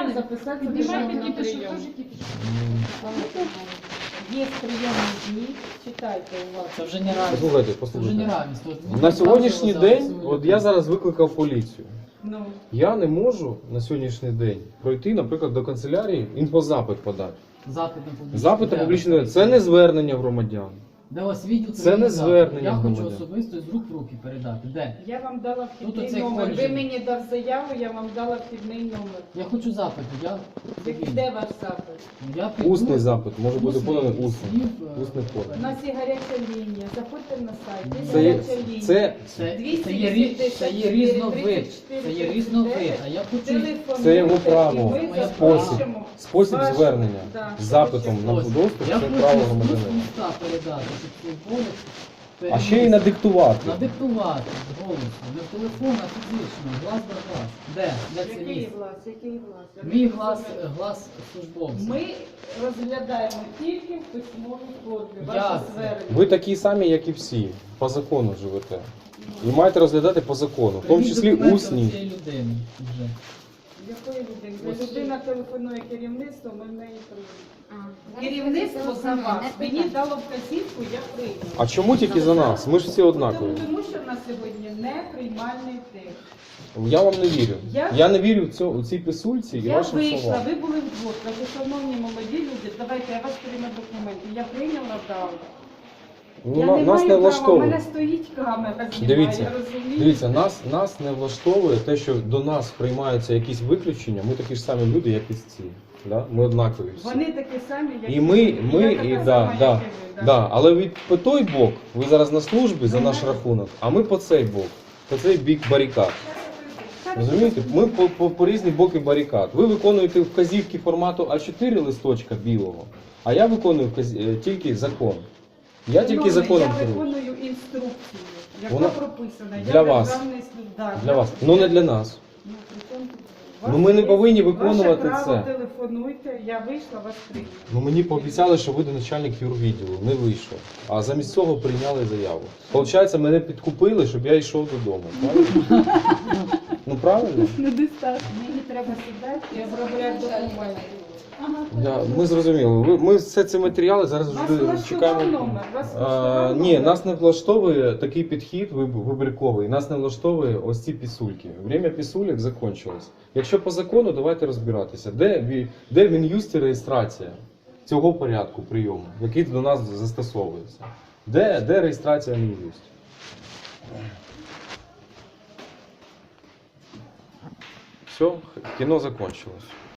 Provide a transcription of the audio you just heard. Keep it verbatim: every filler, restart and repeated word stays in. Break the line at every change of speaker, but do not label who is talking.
Піднімайте.
записатися
Піднімайте,
на
діти, що
прийом.
теж тільки що.
Є прийомні дні, читайте у вас.
Це вже не равенство.
Послухайте,
Це вже не
послухайте.
равенство. От
На сьогоднішній
показували
день,
зараз
от я зараз викликав поліцію.
Ну,
Я не можу на сьогоднішній день пройти, наприклад, до канцелярії, інфозапит подати.
запит на публічний.
Запит на публічний це не звернення громадян.
Де у вас відділ?
Це не звернення
Я хочу
громадян.
особисто з рук в руки передати. Де?
я вам дала
Тут
вхідний
оцей
номер.
коледж.
Ви мені дав заяву, я вам дала вхідний номер.
Я хочу запит. Я...
Як- Де ваш запит?
Я піду-
Усний запит може бути
Усний.
поданий усно.
Слів, е,
Усний
У
формі.
нас є гаряча лінія. Заходьте на сайт. Є
Це є,
гаряча лінія.
це,
Це,
двісті
це, є, рі- це є різновид.
тридцять чотири,
Це є різновид. А я хочу
Телефонуйте,
Це його
і
право,
ми
спосіб.
запишемо
спосіб
ваш-
звернення
Да,
з запитом на
спосіб.
доступ,
Я
це
хочу
право
з
громадянина.
уста передати, щоб цей голос
А ще й надиктувати.
надиктувати з голосу. Не в телефон, а фізично, глаз до глаз. Де? Де це
Який
місце?
глас? Який глас? Я
Мій
не
глас,
розумію.
глас службовця.
Ми розглядаємо тільки в письмовій формі. Ваше
Як?
звернення.
Ви такі самі, як і всі, по закону живете. І маєте розглядати по закону, в тому
Прийміть
числі
документи
усні.
цієї людини вже.
Якої людини?
Ось.
Людина телефонує керівництво, ми в неї приймемо.
А,
Керівництво за вас. Мені
Мені
дало вказівку, я прийняла.
А чому тільки за нас? Ми ж всі однакові.
Тому, тому що в нас сьогодні не приймальний текст.
Я вам не вірю.
Я-
Я не вірю в цю, у цій писульці і
Я
вашим
вийшла,
словам.
ви були вдвох. Кажу, шановні молоді люди, давайте я вас прийму документи. Я прийняла дали.
Ну,
Я
на-
не
нас
маю
не влаштовує.
права, у мене стоїть камера, знімає,
Дивіться,
я розумію.
Дивіться, нас, нас не влаштовує те, що до нас приймаються якісь виключення. Ми такі ж самі люди, як і ці. Да? Ми однакові всі.
Вони такі самі, як
І ми,
ви.
ми,
я
і
така
да,
сама,
да,
як і ви.
да. Але від по той бок, ви зараз на службі за
Ви
наш
знаєте-
рахунок, а ми по цей бок, по цей бік барикад. Розумієте? Ми по, по, по різні боки барикад. Ви виконуєте вказівки формату А чотири листочка білого, а я виконую вказ... е, тільки закон. Я тільки
Шановний,
законом
Я
керую.
виконую інструкцію, яка
Вона-
прописана.
для
я
вас.
державний служб- да,
Для вас. Ну не для нас.
Ну, при чому тут ви?
Ну,
Вас
ми не
є-
повинні виконувати
ваше право,
це.
телефонуйте, я вийшла, вас прийняли.
Ну мені пообіцяли, що вийде начальник юрвідділу. Не вийшов. А замість цього прийняли заяву. Получається, мене підкупили, щоб я йшов додому. Правильно? Ну правильно?
Недостатньо. Мені треба сідати і обробляти документи. Ага.
Я, ми зрозуміли. Ви- Ми все ці матеріали зараз
Вас
вже
влаштував
чекаємо.
номер? Вас
А,
влаштував
ні,
номер?
нас не влаштовує такий підхід виб- вибірковий. Нас не влаштовує ось ці пісульки. Время пісулек закінчилось. Якщо по закону, давайте розбиратися. Де, ві- де в Мін'юсті реєстрація цього порядку прийому, який до нас застосовується? Де, де реєстрація в Мін'юсті? Все, кіно закончилось.